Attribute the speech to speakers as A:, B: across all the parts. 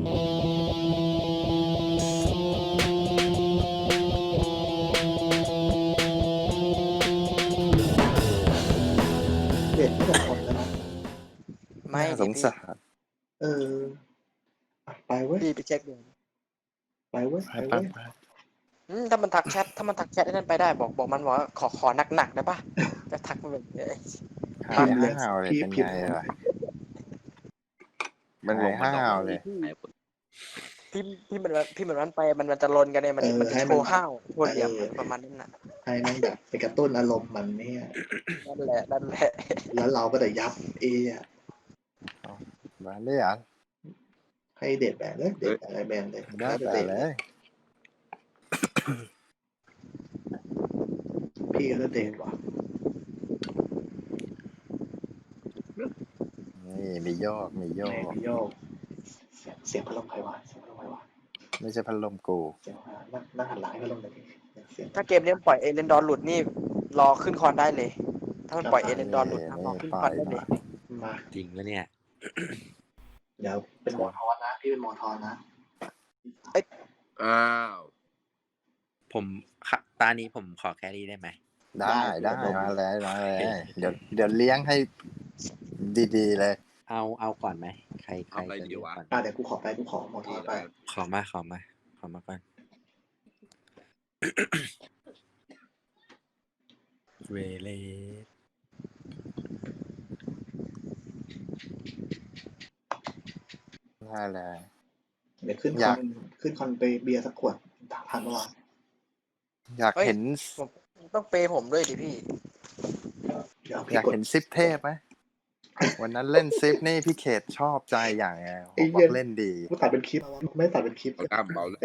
A: เด็ดไม่แต่คนแล้วนะ
B: ไม่
C: น่าส
B: ดิพี่
C: งสาร
A: เออไปเว้ย
B: พี่ไปเช็คดู
A: ไปเว้ย
C: ไป
A: ไป
C: ไป
A: เว้ย
C: ไป
B: ถ้ามันทักแชทไอ้นั่นไปได้บอกมันว่าขอหนักๆได้ปะจะทักมันแบบนี้
C: หา
A: พิ
C: ย
A: มพ์เลย
C: ห้าวเลย
A: พี่
C: เป็น
A: พิ
C: ไง
A: มพ์
C: ล่ะมันหายห้าวเลย
B: พี่เหมือนมันไปมันจะลนกันเนี่ยมันจะโชว์ห้าวโชว์เหลี่ยมประมาณนั้นน่ะ
A: ให้แม่งแบบไปกระตุ้นอารมณ์มันเนี่ย
B: นั่นแหละ
A: แล้วเราก็จะยับอะ
C: มาเลยเหรอ่ะ
A: ให้เด็ดแบนเลยเด็ดอะไรแบนเลย
C: ได้
A: แล้ว
C: แต่
A: เด็ด
C: เลย
A: พี่ก็เด็ดว่ะ
C: นี่มีโยกมีโย
A: แหม
C: ก
A: พี่โยกเสียงพัดลมใครวะเสียงพัดลมใครวะ
C: ไม่ใช่พัดลมกู
A: เสียงนั่งหันหลังให้พัดลมเลยเสียง
B: ถ้าเกมนี้ปล่อยเอเลนดอร์หลุดนี่รอขึ้นคอนได้เลย ถ้ามันปล่อยเอเลนดอร์หลุดรอขึ้นคอนได้เลย
A: มา
D: จริงแล้วเนี่ย
A: เดี๋ยวเป็นหมอทอนนะพี่เป็นหมอทอนนะ
D: อ้าวผมตานี้ผมขอแครี่ได้ไหม
C: ได้มาเลยเดี๋ยวเลี้ยงให้ดีๆเลย
D: เอาก่อนไหมใคร
E: เอาอะไร
D: จะ
E: ดี
D: เลือก
E: วะ
D: ก่อน
A: เดี๋ยวกูขอหมอทอนไป
D: ขอมาก่อนเวเลส
C: ได้เลย
A: เดี๋ยวขึ้นคอนไปเบียร์สักขวดทันเมื่อวาน
C: อยากเห็น
B: ต้องเปย์ผมด้วยดิพี่
A: เดี๋ยว
C: อ
A: พี่
C: ยาก
A: กด
C: เห็นซิปเทพไหมวันนั้นเล่นซิปนี่พี่เขตชอบใจอย่างไงบอกเล่นดี
A: กูตัดเป็นคลิปไม่ตัดเป็นคลิป
E: เอากล้ามเบาเลย
A: ไอ้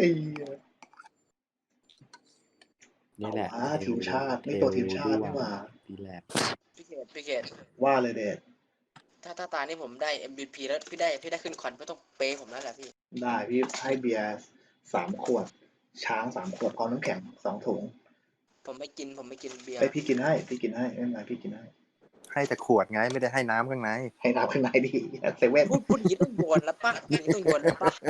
D: นี่แหละ
A: ทีมชาติไม่ตัวทีมชาติไม่ว่า
D: ดีแหละ
B: พี่เกด
A: ว่าเลยเด็ด
B: ถ้าตานี่ผมได้ MVP แล้วพี่ได้ขึ้นคอนก็ต้องเปย์ผมแล้วแหละพี่
A: ได้พี่ให้เบียร์3 ขวด ช้าง3 ขวดพร้อมน้ำแข็ง2 ถุง
B: ผมไม่กินเบียร์
A: ไอพี่กินให้ไม่เป็นไรพี่กินให้
C: ให้แต่ขวดไงไม่ได้ให้น้ำข้างใน
A: ให้น้ำข้างในดิเซเว่น
B: พูดอย่างนี้ต้องโยนแล้วป่ะต้องโยนแล้วป่ะ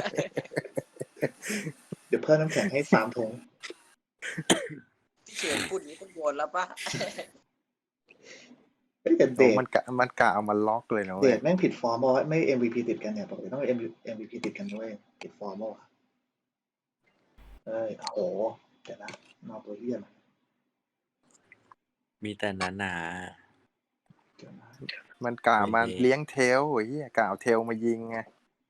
A: เดี๋ยวเพิ่มน้ำแข็งให้3 ถุง
B: พี่เฉยพูดอย่างนี้ต้องโยนแล้วป่ะ
A: แต่เดท
C: มันกะเอามาล็อกเลยนะ
A: เด
C: เว้ย
A: ทแม่งผิดฟอร์มบอกว่าไม่ MVP ติดกันเนี่ยปกติต้อง MVP ติดกันด้วยผิดฟอร์มบอกว่าโอ้โหเดี๋ยวนะนอกตัวเหี้ยนะ
D: มีแต่หนา
A: เดี๋ยวนะ
C: มันกะมาเลี้ยงเทลไอ้เหี้ยกะเอาเทลมายิงไง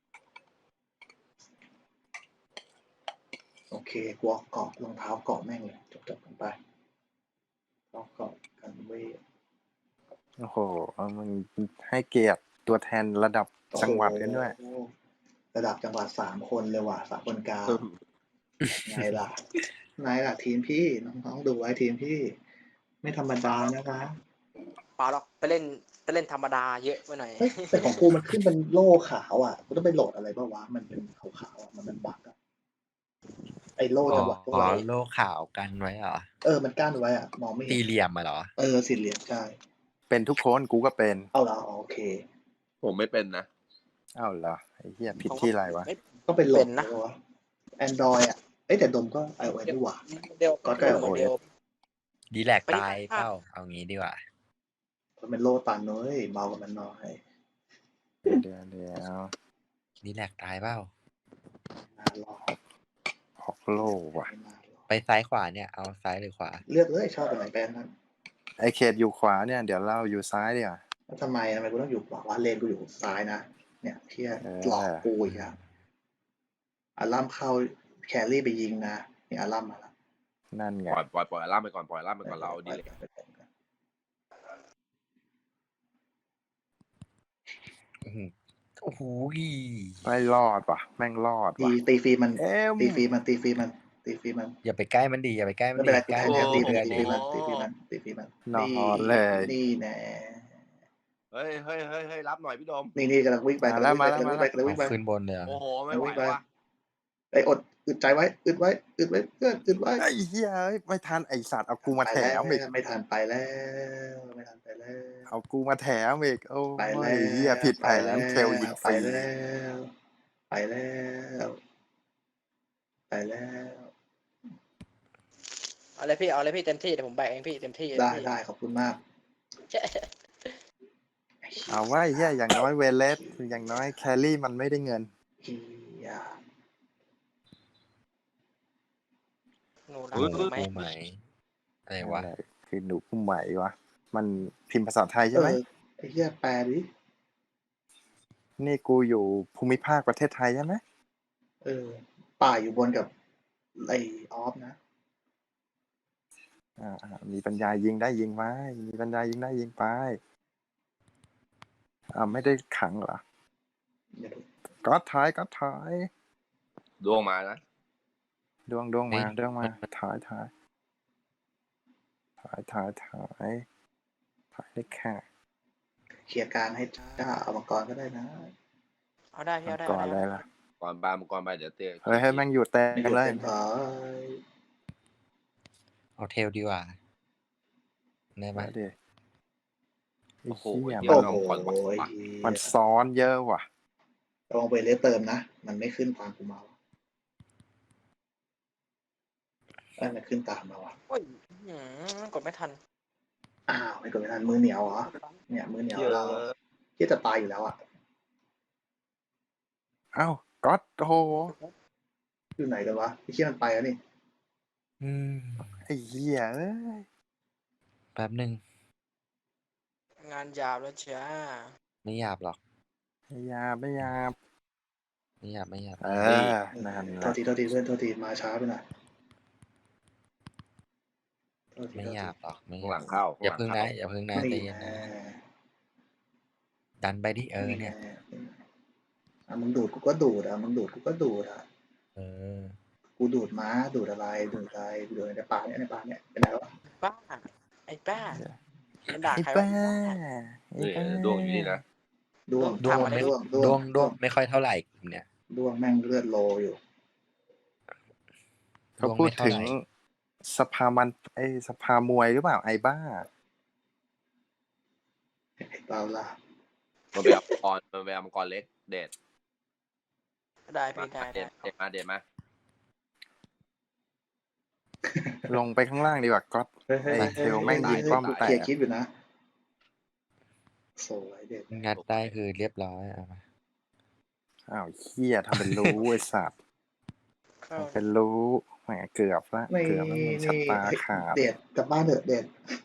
A: โอเคกูเอาเกาะรองเท้าเกาะแม่งเลยจบกันไปเอาเกาะกันเว้ย
C: โอ้โหมึงให้เกียรติตัวแทนระดับจังหวัดกันด้วย
A: โอ้โหระดับจังหวัด3 คนเลยว่ะ3 คนกลางไงล่ะทีมพี่น้องๆดูไว้ทีมพี่ ไม่ธรรมดานะคะ
B: เปล่าหรอกไปเล่นธรรมดาเยอะไปหน่อย
A: เฮ้ยแต่ของกูมันขึ้นเป็นโล่ขาวอ่ะกูต้องไปโหลดอะไรบ้างวะมันเป็นขาวๆอ่ะมันเป็นบั๊กอ่ะไอ้โล่
D: ๆ
A: จังหวัด
D: อ๋อโลขาวกันไว้เหรอ
A: มันกั้นไว้อ่ะมองไม่เห็
D: สี่
A: น
D: เหลี่ยมมาเหรอ
A: สี่เหลี่ยมใช่
C: เป็นทุกคนกูก็เป็น
A: เอาละโอเค
E: ผมไม่เป็นนะ
C: เอ้าเหรอไอ้เหี้ยผิดที่อะไรวะ
A: ก็เป็นโหล
B: เป็
A: ด
B: นนะ
A: วะ Android อ่ะแต่ดมก็ iOS ดีกว่า
B: เดียว
A: ก็ได้
B: โมเดล
D: ดีแลกตายเปล่าเอางี้ดีกว่า
A: มันเป็นโลตันเน้ยเบากว่ามันน้อย
C: เดี๋ยว
D: ดีแลกตายเปล่า
A: น่ารอ
C: ออกโลว่ะ
A: ไม่น่ารอ
D: ไปซ้ายขวาเนี่ยเอาซ้ายหรือขวา
A: เลือกเลยชอบเป็นไหนแบรนด์นั้น
C: ไอเขตอยู่ขวาเนี่ยเดี๋ยวเราอยู่ซ้ายดีกว่า
A: แล้วทำไมกูต้องอยู่ขวาวะเลนกูอยู่ซ้ายนะเนี่ยเที่ยหลอกกูอีกอ่ะอารัมเข้าแครี่ไปยิงนะนี่อารัมมาแล้ว
C: นั่นไง
E: ปล่อยล่ามไปก่อนเราดีเลย
D: โอ้โห
C: ไม่รอดว่ะแม่งรอดว่ะ
A: ตีฟรีมัน
C: เอ็ม
A: ตีฟรีมัน
D: อย่าไปใกล้มันดีอย่าไปใกล้มัน
A: ไม่เป็นไร
D: ใกล้
A: ตี
D: มัน
A: ตี
D: เดือน
A: ฟรี
D: นี้
A: มันตีฟรีมัน
C: นอนเลย
A: นี่แน่
E: เฮ้ยรับหน่อยพี่โดม
A: นี่กำลังวิ่งไป
C: มาแล้ว
A: กำลังวิ่งไป
D: ขึ้นบนเลยเหรอ
E: โอ้โหไม่ไหววะ
A: ไอ้อึดใจไว้อึดไว้เพื่อนอึดไว้
C: ไอ้เหี้ยเอ้ยไม่ทันไอสัตว์เอากูมาแถมอีก
A: ไม่ทันไปแล้ว
C: เอากูมาแถมอีกโอ้
A: ไปแล้
C: ยว เหี้ยผิดแผนเทลยิงฟ
A: ไป
C: รี
A: แล้วไปแล้วไปแล้ว
B: เอาเลยพี่เอาเลยพี่เต็มที่เดี๋ยวผมแบกเองพี่เต็มที่
A: ได้
B: พี่
A: ได้ขอบคุณมาก
C: เอาไว้เฮียอย่างน้อยเวเลสอย่างน้อยแครี่มันไม่ได้เงิน
A: เฮีย
B: หนูรั
D: ห
B: ก
D: นู
B: หนูไหม
D: กูไหมอะไรวะ
C: อะไรคือหนูผู้ใหม่วะมันพิมพ์ภาษาไทย
A: เอ
C: ใช่ไหม
A: อไอ้เฮียแปลดิ
C: นี่กูอยู่ภูมิภาคประเทศไทยใช่ไหม
A: เออ ป่าอยู่บนกับไอออฟนะ
C: มีปัญญายิงได้ยิงไว้มีปัญญายิงได้ยิงไปไม่ได้ขังเหรอ
A: เดี๋ยวดู
C: ก็ถอย
E: ดวงมานะ
C: ดวงมาถอยถอยได้แค่
A: เคลียร์กลางให้จ้าเอามังกรก็ได้นะ
B: เอาได้พี่เอาได้
C: ก่อน
B: เอา
C: อะไร
B: ได้
C: ล่ะ
E: ก่อนปลามังกรไปเดี๋ยวเตะ
C: เฮ้ยให้แม่งอยู่เต็
A: ไม่
C: ม
A: อยู่
C: เลย
A: เต็มถอย
D: เอาเทลดีกว่าได้ไหม
C: มาดิไอ้
E: โอ้โห
C: เหี้ย
E: เดี๋ยว
A: โอ้
E: เรา
A: โห
E: ก่อนว่ะ
C: มันซ้อนเยอะว่ะ
A: ลองไปเลสเติมนะ มันไม่ขึ้นตามกูมาว่ะมันขึ้นตามมาว่ะ
B: โอ้ยกดไม่ทัน
A: อ้าวไม่กดไม่ทันมือเหนียวเหรอ เนี่ยมือเหนียว
E: เยอะ
A: เราที่จะตายอยู่แล้วอ่ะ
C: เอ้าก็โอ้โห
A: อยู่ไหนกันวะพี่เชี่ยมันไปแล้วนี่
D: อืม
C: ไอ้เหี้ยเอ้ย
D: แป๊บหนึ่ง
B: งานยาวแล้วจ้า
D: ไม่หยาบหรอก
C: ไม่หยาบ
D: ไม่หยาบ
C: นั่นแห
A: โท
C: ละ
A: ษทีเพื่อนโทษทีมาช้าไปหน่อยโทษที
D: ไม่หยาบหรอกไม่ห
E: ข้างห
D: ยา
E: ลั
D: บ
E: งเข้า
D: อย่าพึ่งนะอย่าพึ่งนะใจ
A: นี่
D: เย็น
A: แน่
D: นะดันไปดิเนี่ย
A: มึงดูดกูก็ดูดมึงดูดกูก็ดูด
D: เออ
A: กูดูดม้าดูดอะไรดูดในป่าเนี่ยเป็นไงวะ
B: บ้าไอ้บ้ามันด่า
C: ไอ้
B: ใคร
C: บ้าว
B: ะ
C: ไอ้
E: นี่
C: บ้า
E: ดวงอยู่นี่นะ
A: ด้วง
D: ดวงไม่ไม่ค่อยเท่าไหร่เนี่ย
A: ด้วงแม่งเลือดโลอยู่
C: เขาพูดถึงสภามันสภามวยหรือเปล่าไอ้บ้า
A: เปล่าล่ะ
E: มันไปเอามังกรเล็กเด็ด
B: ได้
E: มา
B: พี่ได้
E: เด็ดมา
C: ลงไปข้างล่างดีกว่าก็
A: เฮ้ย
C: ไอ้เทลแม่งยิงป้อมแต
A: เคลีย
C: ก
A: ร์คลิปอยู่นะสวยเด็ด
D: งัดได้คือเรียบร้อยเอามา
C: อ้าวเหี้ยทำเป็นรู้ไอ้สัตว์
B: เข้า
C: ทำเป็นรู้แหมเกือบละ
A: นี่
C: เกือบแล้วมึงชะตาขาด
A: เด็ดกลับบ้านเถอะเด็ด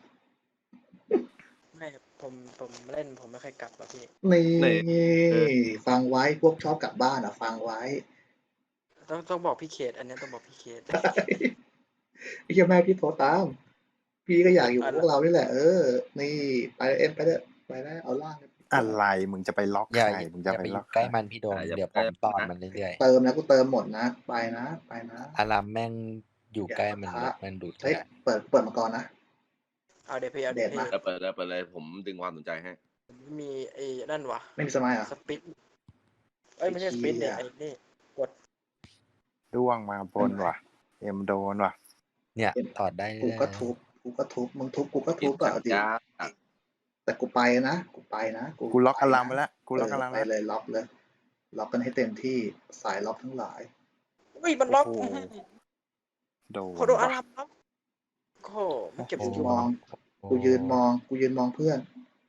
B: ไม่ผมเล่นผมไม่เคยกลับหรอกพี่
A: นี่ฟังไว้พวกชอบกลับบ้านฟังไว้
B: ต้องบอกพี่เคสอันนี้ต้องบอกพี่เคส
A: ไอ้เหี้ยแม่พี่โทรตาม พี่ก็อยากอยู่กับพวกเรานี่แหละนี่ไปไปเถอะไปแล้วเอาล่าง
C: อะไรมึงจะไปล็อก
D: อย่า
C: ใครมึงจะ
D: อย่า
C: ไป
D: ไป
C: ล็อก
D: ใกล้มันพี่โดมเดี๋ยวผมต้อนมันเรื่อย
A: เติมนะกูเติมหมดนะไปนะ
D: ๆอารามแม่งอยู่ใกล้มันดูด
A: เฮ้ย
D: แหละ
A: เปิดมาก่อนนะ
B: เอาเดี๋ยวพี่เอาเดี๋ยว
A: เด็ด
B: พี่
A: มาก
E: เปิดเลยผมดึงความสนใจให้
B: มีไอ้นั่นวะ
A: ไม่มีสมัยอ่ะ
B: สปินเอ้ยไม่ใช่สปินเนี่ยไอ้นี่
C: ด้วงมาบนว่ะ เอ็มโดนว่ะ
D: เนี่ยถอดได้
A: กู
D: เลย
A: ก็ทุบมึงทุบกูก็ทุบดิ
E: จ้า
A: แต่กูไปนะ
C: กูล็อกอารามไปแล้วกูล็อกอาราม
A: ไป
C: แล้ว
A: เลยล็อกกันให้เต็มที่สายล็อกทั้งหลาย
B: อุ้ยมันล็อก
C: โอ้โห โดน
B: โคโดอา
C: ว่ะ
B: รัมล็อกโอ้โหมันเก็บ
A: กู
B: สกิล
A: มอง กูยืนมองเพื่อน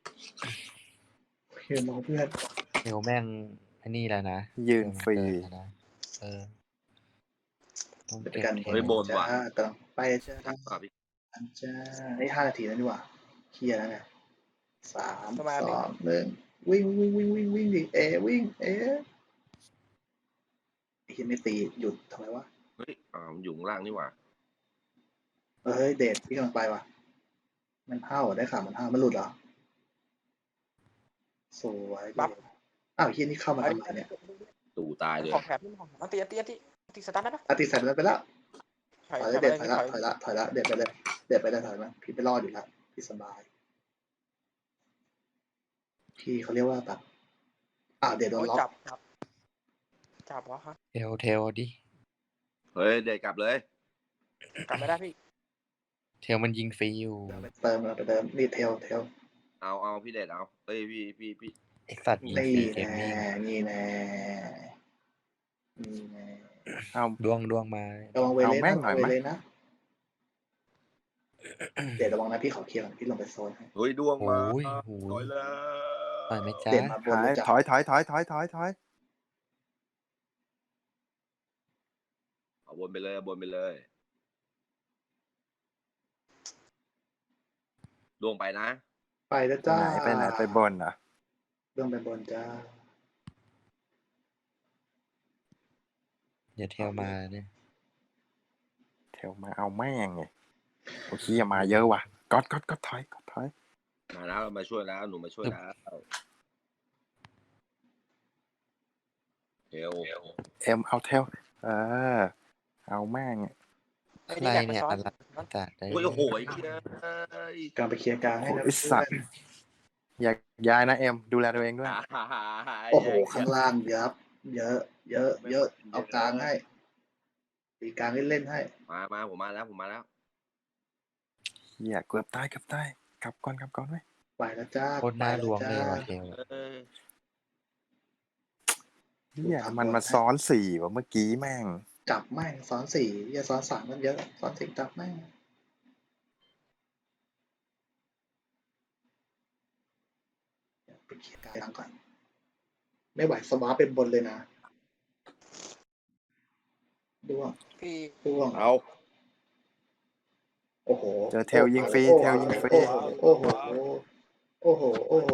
A: ยืนมองเพื่อน
D: เทลแม่งอันนี้แล้วนะ
C: ยืนฟรี
D: นะต้อง
A: เป็น
D: เก็บ
A: การ
D: เท
A: เห็น
D: ล
A: จ้ากำลังไปจ้า จ้านี่5 นาทีแล้วดีกว่าเคลียร์แล้วไง3 2 1วิ่งดิวิ่งไอ้เหี้ยไม่ตีหยุดทำไมวะ
E: เฮ้ยมันอยู่ข้างล่างนี่หว่า
A: เฮ้ยเดทพี่กำลังไปว่ะมันเห่าได้ข่าวมันเห่ามันหลุดเหรอสวยเดทอ้าวเฮียนี่เข้ามาทำไมเนี่ย
E: ตู่ตายเลย
B: ของแถบนี่ของอันตีสตาร์ทได้ปะ
A: อาติใส่ไปแล้ว
B: ถอย
A: ถอยแล้วเดทถอยละเดทไปเลยถอยมาพี่ไปรอดอยู่แล้วพี่สบายพี่เขาเรียกว่าแบบเดทโดนล็อก
B: จับวะฮะ
D: เทลดิ
E: เฮ้ยเด็ดกลับเลย
B: กลับไม่ได้พี่
D: เทลมันยิงฟรีอยู่
A: เติมนี่เทล
E: เอาพี่เด็ดเอาเฮ้ยพี่
D: เอ็กซัสยิง
A: นี่
D: ฟรีเกม
A: แน่
D: มิ่ง
A: นี่แน่นี่ไง
C: เอา
D: ดวงมา
A: ระวังเว
C: เอา
A: เล
C: แม่
A: นะ
C: งหน่อย
A: เว
C: ไหม
A: เลนะเดี๋ยวระวังนะพี่ขอเคลียร์ก่อนพี่ลงไปโซนให้
E: เฮ้ยดวงมา
D: โอ้ย
E: ถอยแล้ว
D: ต่อยไหมจ๊ะ
A: เปลี่ยนมาบนเลยจ้ะ
C: ถอย
E: เอาบนไปเลยเอาบนไปเลยดวงไปนะ
A: ไปแล้ว
C: ไป
A: จ้า
C: ไหนไปบนอ่ะ
A: เรื่องไปบนจ้า
D: อย่าเทลมาเนี่ย
C: เทลมาเอาแม่งไงโอเคมาเยอะว่ะก๊อตถอย
E: มาแล้วเรามาช่วยแล้วหนูมาช่วยแล้วเทล
C: เอ็มเอาเทลเอาแม่ง
B: ไอ้
D: ใคร
B: นี่อยากไป
D: เนี่ย
B: ซ้อน
D: อะไรจัดได้
E: โอ้ยโอ้โหไอ้เหี้ย
A: กลางไปเคลียร์กลางให้นะ
C: ไอ้สัตว์ อยากย้ายนะเอ็มดูแลตัวเองด้วย
A: โอ้โหข้างล่างเยอะเยอะเอากลางให้ตีกลางเล่นๆให้
E: มาผมมาแล้วผมมาแล้ว
C: เหี้ยเกือบตายกลับก่อนไว้
A: ไปแล้วจ้า
D: โคตรน่าลวงเลยว่ะ
A: ไป
D: เทล
E: เออ
C: เหี้ยมันมาซ้อน4ว่ะเมื่อกี้แม่ง
A: จับแม่งซ้อนสี่อย่าซ้อนสามมันเยอะซ้อนสี่จับแม่งไปเคลียร์กลางก่อนไม่ไหวสวาเป็นบนเลยนะด้วง
B: พี่
A: ด้วง
E: เอา
A: โอ้โห
C: เจอเทลยิงฟรีเทลยิงฟรี
A: โอ้โหโอ้โหโอ้โห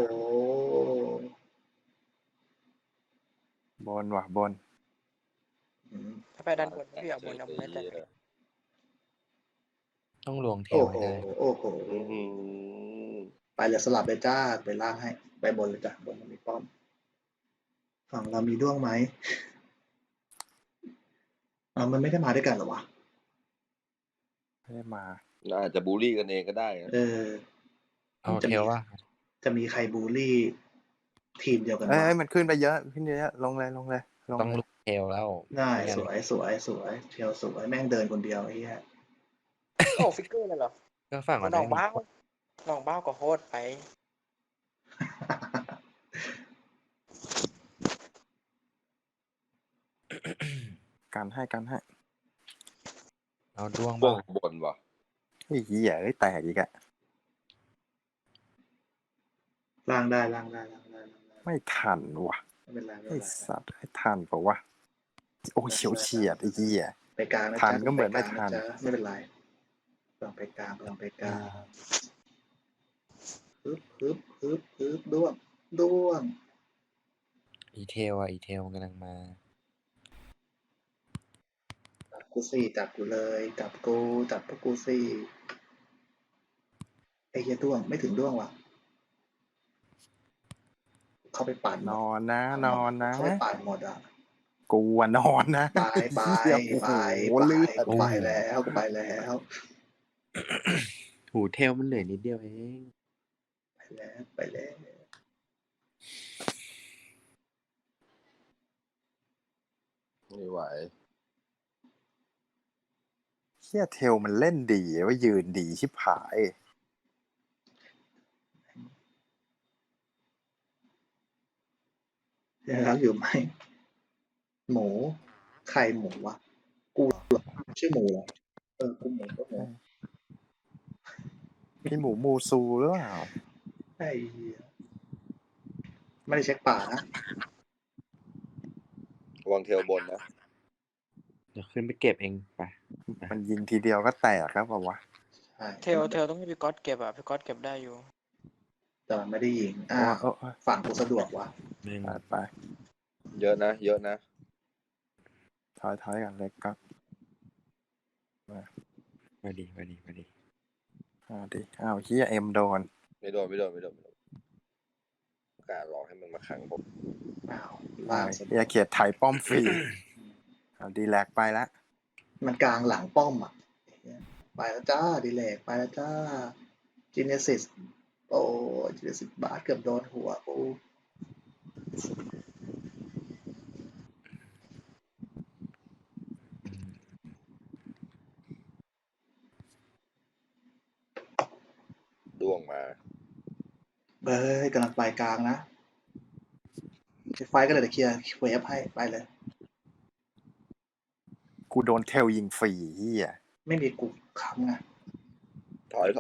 C: บนว่ะบน
A: อืม
B: ถ้าไปด้านบนพี่เอาบนเอาบนได้แต่
D: ต้องลวงเท
A: โอ้
D: ล
A: โห
D: ให้ได้
A: โอ้โห
E: อื้อหือ
A: ไปเลยสลับเลยจ้าไปล่างให้ไปบนเลยจ้ะบนมันมีป้อมฝั่งเรามีด้วงไหมมันไม่ได้มาด้วยกันเหรอวะ
C: ไม่ได้มา
E: น่าจะบูลลี่กันเองก็ได้นะ
D: เอาเทลว่า
A: จะมีใครบูลลี่ทีมเดียวกัน
C: เอ้
A: วะ
C: ยมันขึ้นไปเยอะลงเลย
D: ต้องลุกเทลแล้ว
A: ได้
D: ไม่งั้น
A: สวยเชียวสวยแม่งเดินคนเดียวไอ้เหี้ย
B: โอ้ฟิกเกอร์เลยเหรอ
D: ก็ฝั่งมัน
B: น้อง
D: ไม่มี
B: บ้าวน้องบ้าวก็โคตรไป
C: กันให้
D: เอาดวง
E: พว
D: บ้าก
E: บนว่ะ
C: ไอ้เหี้ยแตกอีกอะ
A: ล่างได้
C: ไม่ทันว่ะ
A: ไม่เป็นไร
C: ไอ้สัตว์ให้ทันเปล่าวะโอ้ยเฉียดไอ้เหี้ย
A: ไปกลางนะ
C: ทัน
A: จ๊ะ
C: ก็เหมือนไม่ทัน
A: ปกลางะจ๊ะไม่เป็นไรลองไปกลางฮึบด้วง
D: อีเทลอีเทลกำลังมา
A: จับกูสี่จับกูเลยจับพวกกูสี่ไอ้เหี้ยด้วงไม่ถึงด้วงว่ะเข้าไปปั่น
C: นอนนะ
A: เข้าไปปั่นหมดอ่ะ
C: กูอะนอนนะ
A: ไป
C: เหี้ยโอ้โหลื่น
A: กูไปแล้ว
D: หูเทลมันเหลือนิดเดียวเอง
A: ไปแล้ว
E: ไม่ไหว
C: เหี้ยเทลมันเล่นดีว่ายืนดีชิบหาย
A: แล้วอยู่ไหมหมูไข่หมูวะกูชื่อหมูเหรอกูหมูก็หมู
C: พี่หมูมูซูหรือเปล่า
A: ไอ้เหี้ยไม่ได้เช็คป่านะ
E: วางเทลบนนะ
D: เดี๋ยวขึ้นไปเก็บเองไป
C: มันยิงทีเดียวก็แตกครับวะ
A: ใช่
B: เทลต้องให้พี่ก๊อตเก็บอ่ะพี่ก๊อตเก็บได้อยู่
A: แต่มันไม่ได้ยิง
C: โอ้
A: ฝั่งกูสะดวกวะ
C: ไป
E: เยอะนะ
C: ถอยกันเลยก็
D: มาดี
C: อ้าวเฮียเอ็มโดน
E: ไม่โดนการรอให้มันมาขังผม
A: อ้าวล่างสะด
C: เฮี
A: วย ก
C: เขียดไถป้อมฟรีเอาดีแลกไปละ
A: มันกลางหลังป้อมอ่ะไปแล้วจ้าดีเลกไปแล้วจ้าจีเนซิสโอ้จีเนซิสบาสเกือบโดนหัวกู
E: ดวงมา
A: กำลังไปกลางนะไฟก็เลยจะเคลียร์เวฟให้ไปเลย
C: กูโดนเทลยิงฟรีเฮีย
A: ไม่มีกูค้ำไง
E: ถอย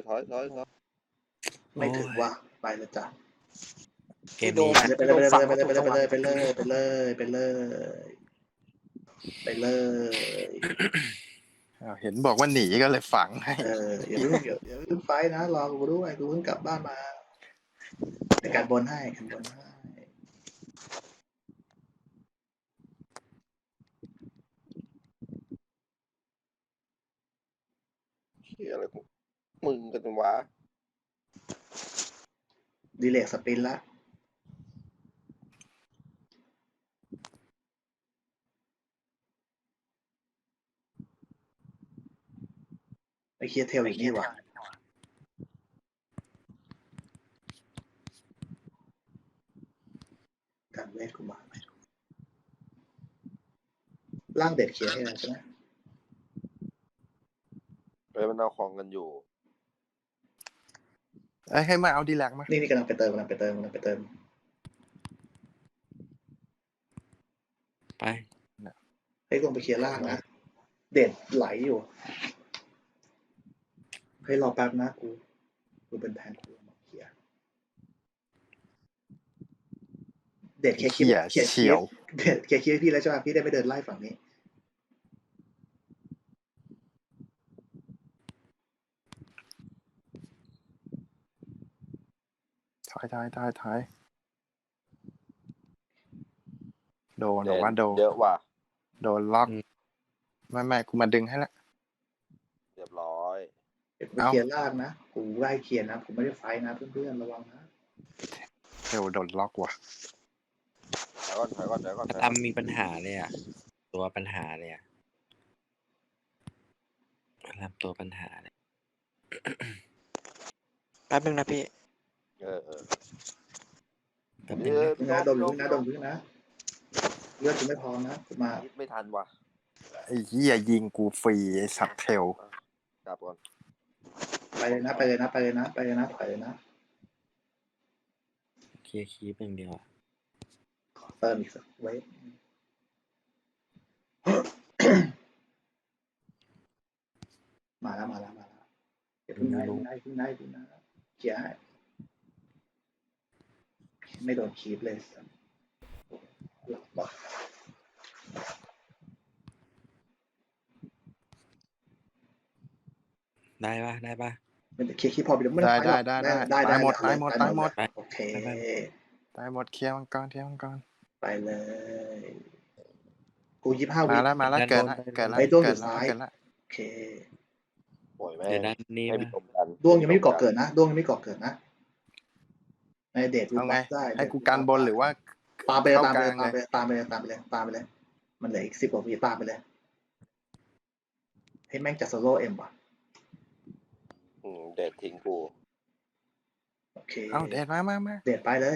A: ไม่ถึงว่าไปเลยจ้ะ
D: เกมนี้
A: ไปเลยไปเลยไปเลยไปเลยไปเลยไปเลยไปเลย
C: อ้าวเห็นบอกว่าหนีก็เลยฝังให้
A: อย่าเพิ่งไฟนะรอกูด้วยกูเพิ่งกลับบ้านมาในการบนให้กันบนให้
E: เฮียอะไรกูมึงกันวะ
A: ดีเลกสปินละไปเคลียร์เทลอีกนี่หว่าการเวทกูมาร่างเด็ดเคลียร์ให้แล้วใช่ไหม
E: มันเอาของกันอยู่
C: ให้มาเอาดีแลกมา
A: นี่กำลังไปเติม
D: ไป
A: ให้ลงไปเคลียร์ล่างนะเด็ดไหลอยู่ให้รอแป๊บนะกูเป็นแทนกูมาเคลียร์เด็ดเคลียร์
C: เฉียว
A: เด็ดเคลียร์พี่แล้วใช่ไหมพี่ได้ไม่เดินไล่ฝั่งนี้
C: ถอยโดนบอกว่าโดน
E: เยอะว่ะ
C: โดนล็อกไม่กูมาดึงให้ละ
E: เรียบร้อย
A: เดี๋ยวกูเคลียร์ล่างนะกูไล่เคลียร์นะผมไม่ได้ไฟนะเพื่อนๆระวังนะ
C: เทลโดนล็อกว่ะ
E: ถอยก่อน
D: ทำมีปัญหาเลยอ่ะ ตัวปัญหาเลยอ่ะทำตัวปัญหาเลย
B: แป๊บนึงนะพี่
D: แป๊บนึงนะ
A: นะดมพึ่งนะเลือดกูไม่พอนะกูมา
E: ไม่ทันว่ะ
C: ไอ้เหี้ยยิงกูฟรีไอ้สัตว์เทล
E: กลับก่อน
A: ไปเลยนะถอยเลยนะ
D: เคลียร์คีปอย่างเดียวอะ
A: ขอเติมอีกสักเวฟมาแล้วเดี๋ยวพึ่งได้เคลียร์ให้ไม่โดนคีบเลยหลับว่ะ
D: ได้ปะ
A: มันจะเคลียร์คีบพอไปแล้วไม่
C: ได้
A: ได้
C: หมด
A: โอเค
C: ตายหมดเคลียร์มังกร
A: ไปเลยกู25 วิ
C: มาแล้วเกินละ
A: ไอ้ด้วงอยู่ซ้าย
C: เกินละ
A: โอเค
E: ปล่อยแม่
D: เดี๋ยวด้านนี้
E: ให้
D: ปะ
E: พี่ชมกัน
A: ด้วงยังไม่ก่อเกิดนะในเดท
C: เอาไง
A: ได้
C: ให้กูกันบนหรือว่า
A: ตามไปเลย มันเหลืออีก10 กว่าวิตามไปเลยให้แม่งจัดโซโล่เอ็มว่ะ
E: เด็ดทิ้งกู
A: โอเค
C: เอาเดดมา
A: เดทไปเลย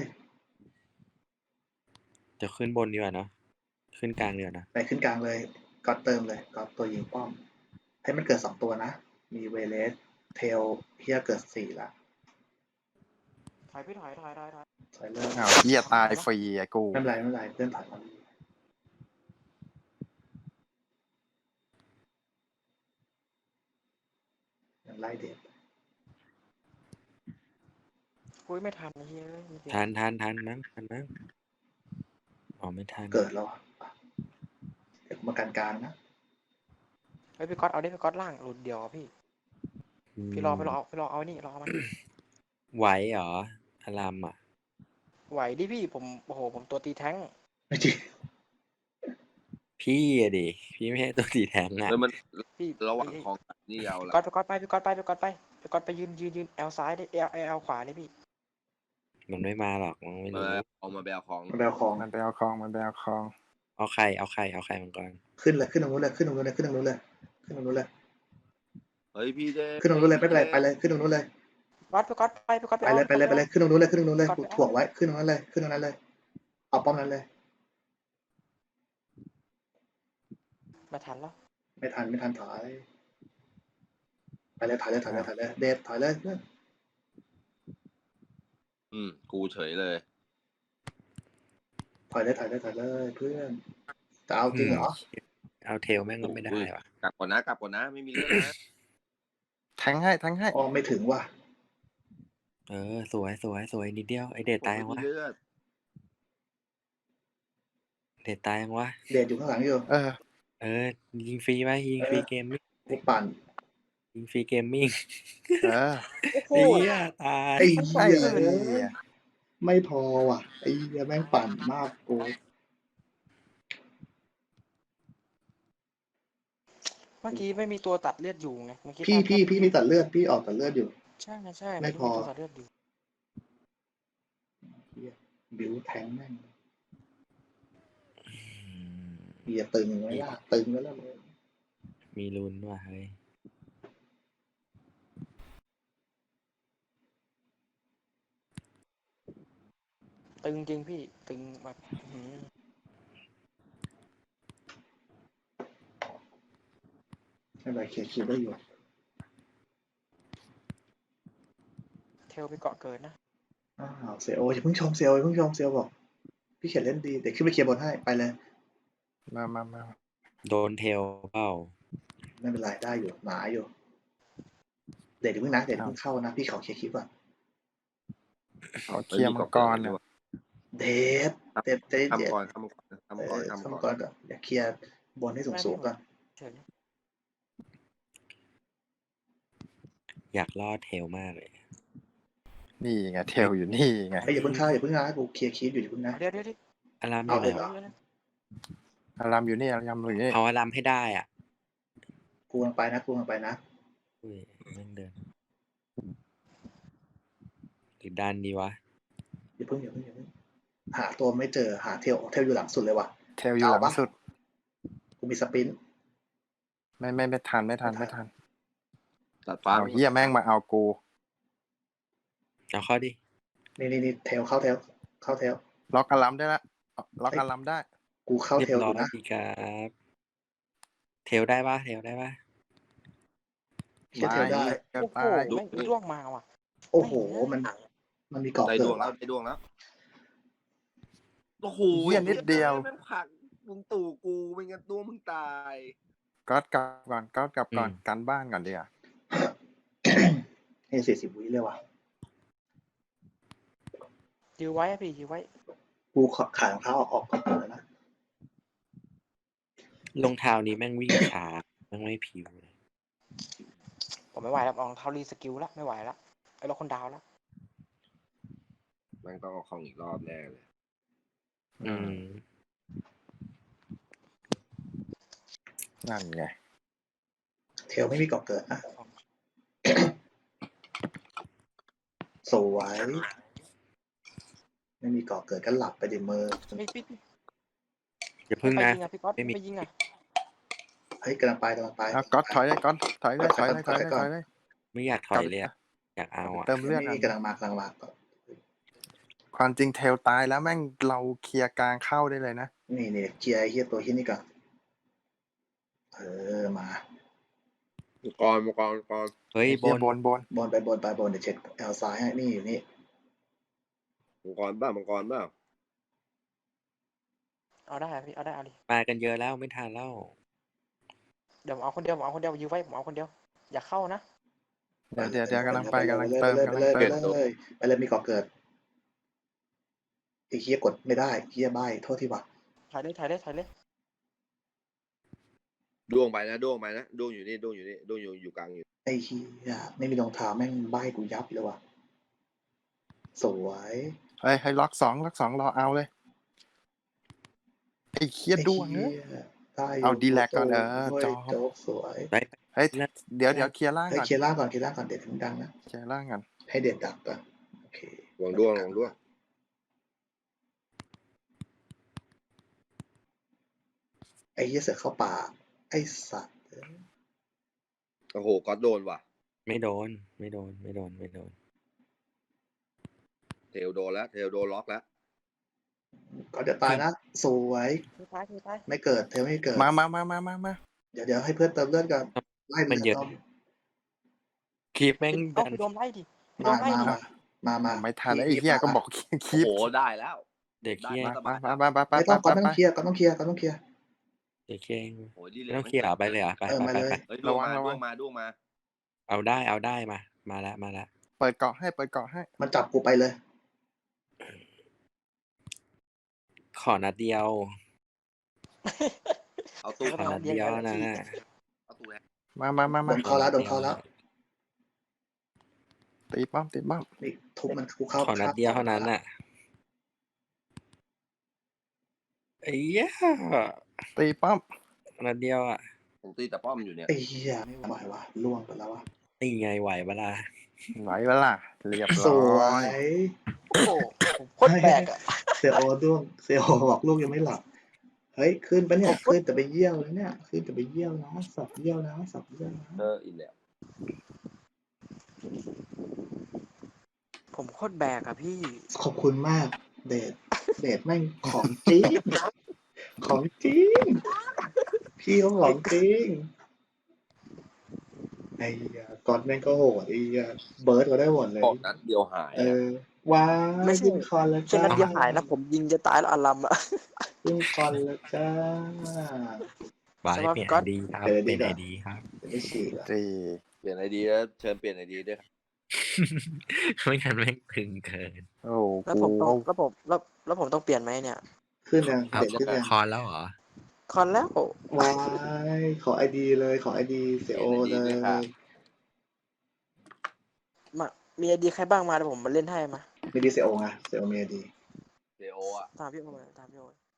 D: จะขึ้นบนดีกว่าเนาะขึ้นกลางดีกว่านะ
A: ไปขึ้นกลางเลยก็เติมเลยก็ตัวยิงป้อมให้มันเกิด2 ตัวนะมีเวเลสเทลเฮียเกิด4ละ
B: ถอยพี่ถอย
A: ถอยเลย
C: เอาเหี้ยตายฟรีไอ้กู
A: ไม่เป็นไรเพื่อนถอยมายังไล่เดท
B: คุยไม่ทันเฮ้ย
D: ทันมั้งอ๋อไม่ทัน
A: เกิดแล้วอ่ะเดี๋ยวมาการกลางนะ
B: เฮ้ยพี่ก๊อตเอาดิพี่ก๊อตล่างหลุดเดียวอะพี่รอเอานี่รอมัน
D: ไหวเหรออารามอ่ะ
B: ไหวดิพี่ผมโอ้โหผมตัวตีแท้ง
A: ไม่จริง
D: พี่อะดิพี่ไม่ใช่ตัวสีแทงอ่ะ
E: แล้วมัน
B: พี่
E: ระหว่างของนี่ยาวละ
B: พี่ก๊อตไปยืนแอลซ้ายดิแอลขวาดิพี่
D: มันไม่มาหรอกมันไม่รู้
E: เอามาแบลของ
A: มันไปเอาของ
C: มันไปเอาคอง
D: เอาใครมันก่อน
A: ขึ้นตรงนู้นเลย
E: เฮ้ยพี่เด้
A: ขึ้นตรงนู้นเลยไม่เป็นไรไปเลยขึ้นตรงนู้นเลย
B: พี่ก๊อตไป
A: ไปเลยขึ้นตรงนู้นเลยกูถ่วงไว้ขึ้นตรงนั้นเลยเอาป้อมนั้นเลย
B: มาทันแล้ว
A: ไม่ทันถอยไปเลยเดทถอยเลย
E: กูเฉยเลย
A: ถอยเลยเพื่อนจะเอาจริงเหรอ
D: เอาเทลแม่งก็ไม่ได้ว่ะ
E: กลับก่อนนะไม่มีเรื่องนะ
C: แทงให้
A: อ๋อไม่ถึงว่ะ
D: สวยนิดเดียวไอเดทตายยัง
E: ไม่
D: วะ
E: มีเลือด
D: เดทตายยังวะ
A: เดดอยู่ข้างหลังอยู่
D: ยิงฟรีไหมยิงฟรีเกมมิ่ง
A: กูปั่น
D: ยิงฟรีเกมมิ่ง
A: โอ้
D: เฮียตาย
A: ไอ้เหี้ย
C: ไอ้เหี้ย
A: ไม่พอว่ะไอ้เหี้ยแม่งปั่นมากกู
B: เมื่อกี้ไม่มีตัวตัดเลือดอยู่ไงเมื่อกี้
A: พี่มีตัดเลือดพี่ออกตัดเลือดอยู่
B: ใช่
A: ไม่พอ
B: ตัวตัดเลือดอยู่
A: เหี้ยบิวแทงแม่งเหี้ยตึงไว้ล่ะตึงไว้แล้วเลย
D: มีลุ้นว่ะเฮ้ย
B: ตึงจริงพี่ตึงแบบ
A: ไม่เป็นไรเคลียร์คิวได้อยู่
B: เทลไปเกาะเกิดนะ
A: อ้าวเซลอย่าเพิ่งชมเซลบอกพี่เขียนเล่นดีเดี๋ยวขึ้นไปเคลียร์บนให้ไปเลย
C: มา
D: โดนเทลเปล่า
A: ไม่เป็นไรได้อยู่หนาอยู่เดี๋ยวเพิ่งนะเดี๋ยวเพิ่งเข้านะพี่ขอเคลียร์คิวก่อน
C: ขอเคลียร์มังกรเนี่ย
A: เดฟเดฟ
E: ทำก่อน
A: ทำก่อนอย่าเคลียร์บนให้สูงก่อน
B: เฉย
D: อยากรอดเทลมากเลย
C: นี่ไงเทลอยู่นี่ไง
A: ไอ้อย่าเพิ่งเข้าอย่าเพิ่งนะกูเคลียร์คิวอยู่อย่าเพิ่งนะ
B: เดี๋ยว
D: อารามอ
A: เอา
D: ยู่
A: เล
D: ไหน
A: ยเหรอ
C: อารามอยู่นี่อารามอยู่นี่
D: เอาอารามให้ได้อ่ะ
A: กูกำลังไปนะ
D: อุ้ยแม่งเดินหรือดันดีวะ
A: อย่าเพิ่งหาตัวไม่เจอหาเทลอยู่หลังสุดเลยว่ะ
C: เทลอยู่หลังสุด
A: กูมีสปิน
C: ไม่ทัน
E: ตัดฟ้า
C: เอาเหี้ยแม่งมาเอากู
D: เอาเข้าดิ
A: นี่เทลเข้าเทล
C: ล็อกอารามได้ละล็อกอารามได้
A: กูเข้า
D: เรีย
A: เทล
D: บ
A: อ
D: ร้อย
A: ยู่นะ
D: ดีครับเทลได้ปะ
A: เทลได้
C: เกิด
B: โอ้โห
C: ตาย
B: แม่งล่วงมาว่ะ
A: โอ้โหมันมีเกาะ
E: ได้
A: เกิ
E: ดว
A: ด
E: งแล้วโอ้โห
C: เหี้ยนิดเดียว
E: แม่งผลักมึงตู่กูไม่งั้นตัวมึงตาย
C: ก๊อตกลับก่อนกันบ้านก่อนดีอ่ะ
A: ให้40 วิเลยว่ะ
B: ยื้อไว้อะพี่ยื้อไว้
A: กูขายรองเท้าออกก่อนแล้วนะ
D: รองเท้านี้แม่งวิ่งช้าแม่งไม่ผิวเลย
B: ผมไม่ไหวแล้วรองเท้ารีสกิลแล้วไม่ไหวแล้วไอ้เราคนดาวแล้ว
E: แม่งต้องเอาของอีกรอบแน่เลย
C: นั่นไง
A: เทลไม่มีเกาะเกิดนะ สวยไม่มีเกาะเกิดก็หลับไปดิมือ
B: พี่
D: อย่าพึ่ง
B: ไป
D: นะ
B: ยิงอ่ะพี่ก๊อต
D: ไม่มี
B: ไปยิงอ่ะ
A: เฮ้ยกำลังไป
C: เอาก๊อตถอยเลยถอยเลย
D: ไม่อยากถอยเลยอะอยากเอาอ่ะ
C: เติมเลือด
A: นี่กำลังมาก่อน
C: ความจริงเทลตายแล้วแม่งเราเคลียร์กลางเข้าได้เลยนะ
A: นี่เคลียร์ไอ้เหี้ยตัวที่นี่ก่อนมา
E: มังกร
D: เฮ้ยบน
C: บน
A: ไปบนเดี๋ยวเช็คแอลซ้ายให้นี่อยู่นี่
E: มังกรบ้า
B: เอาได้อะพี่เอาได้เอาดิ
D: มากันเยอะแล้วไม่ทันแล้ว
B: เดี๋ยวผมเอาคนเดียวยื้อไว้ผมเอาคนเดียวอย่าเข้านะ
C: เดี๋ยวกำลังเติม
A: ไปเลยมีเกาะเกิดไอ้เหี้ยกดไม่ได้เหี้ยใบโทษทีว่ะ
B: ถ่ายเลย
E: ดวงไปนะดวงอยู่นี่ดวงอยู่กลางอยู่
A: ไอ้เหี้ยไม่มีรองเท้าแม่งใบกูยับเลยว่ะสวย
C: ให้ล็อกสองรอเอาเลยไอ้เคียดวงเนอะ เอาดีแลกก่อนจอ
A: โจ๊กสวย
D: ไป
C: เฮ้ยเดี๋ยวเคลียร์ล่าง
A: ให้
C: ก่อน
A: เคลียร์ล่างก่อนเด็ดถึงดังนะ
C: เคลียร์ล่างก่อน
A: ให้เด็ดดักก่อนโอเค
E: ดวง
A: ไอ้เหี้ยเสือเข้าป่าไอ้สัตว์
E: โอ้โหก็โดนว่ะ
D: ไม่โดน
E: เทลโดนแล้วเทลโดนล็อกแล้ว
A: ก็จะตายนะสวย
B: ตาย
A: ไม่เกิดเทลไม่เกิด
C: มา
A: เดี๋ยวให้เพื่อนเติมเลือดก่อนไล่
D: มันเยอะ คลิปแม่ง
B: เอา
D: ดัน
B: ไปโดนไล่ดิไปโดนไล่ดิ
A: มา
C: ไม่ทันไอ้เหี้ยก็บอกคี
E: โอ้
C: บ
E: โหได้แล้ว
D: เด็กเฮีย
C: มา
A: ไม่ต้องเคลียร์ก็ต้องเคลียร์
D: เดี๋ยวเก่ง
E: โอ้ยดี
D: ไม่
E: เลย
D: ต้องเคลียร์ไปเลยเหรอไป
A: เออ
D: ไป
A: มา
D: ไป
A: เลย
D: ไป
E: เฮ้ยด้วงมาด้วงมาด้วงมา
D: เอาได้มาแล้ว
C: เปิดเกาะให้เปิดเกาะให้
A: มันจับกูไปเลย
D: ขอนัดเดียว
E: เอาตู้
D: ขอนัดเดียวนะ
E: เอาตู้แฮะ
C: มา
A: โดนเข้าแล้วโดนเข้าแล้ว
C: ตีป้อมตีป้อม
A: นี่ทุบมันกูเข้า
D: ขอนัดเดียวเท่านั้นน่ะไอ้เหี้ย
C: ตีป้อม
D: นัดเดียวอ่ะ
E: ผมตีแต่ป้อมอยู่เนี่ย
A: ไอ้เหี้ยไม่ไหววะล่วงไปแล้ววะ
D: นี่ไงไหวเวลา
C: ไหวเวล่ะเรียบ
A: ส
C: ร้
A: ว
C: อย
A: ย
B: โอ้โหผมโคตรแปลกอ่ะ
A: เซโอด้วงเซโอบอกลูกยังไม่หลับ เฮ้ยขึ้นปะเนี่ยขึ้นแต่ไปเยี่ยวแล้วเนี่ยขึ้นแต่ไปเยี่ยวนะสับเยี่ยวนะสับเยี่ยวนะ
E: อีกแล้ว
B: ผมโคตรแบกอ่ะพี่
A: ขอบคุณมากเดทแม่งของจริงของจริงพี่เขาของจริงไอ้เหี้ยก่อนแม่งก็โหดไอ้เหี้ยเบิร์ดก็ได้หมดเลย
E: ออกนัดเดียวหาย
A: เออว้า
B: ไม่ใช่
A: ยิงคอนแล้ว
B: แค่
A: จ้า
B: นัดเดียวหายนะผมยิงจะตายแล้วอารัมอ่ะ
A: ยิงคอนแล้วจ้า
D: บาย
B: สำหรับ
D: เปลี่ยน
B: ก๊
D: ไอ
B: อต
D: ดีครับ
A: เออ
D: เปลี่ยน
A: ดี
D: ไอ
A: นะ
D: ดีครับ
A: ไม่ฉีกอ่ะ
C: ตี
E: เปลี่ยนไอดีแล้วเชิญเปลี่ยนไอดีด้วย
D: ไม่งั้นแม่งตึงเกิน
C: โอ้
B: แล้ว
C: กู
B: ผมต้องแล้วผมต้องเปลี่ยนไหมเนี่ย
A: ขึ้นยัง
D: เอา
A: เด็ดขึ้นยัง
D: คอนแล้วเหรอ
B: คอนแล้ว
A: ว้ายขอไอดีเลยขอไอดีเซโอเลย
B: มามีไอดีใครบ้างมาเดี๋ยวผมมาเล่นให้มา
A: มีดีเซโอไงเซโอมีไอดี
E: เซโออ่ะ
B: ตามพี่โอมาตามพี่โอ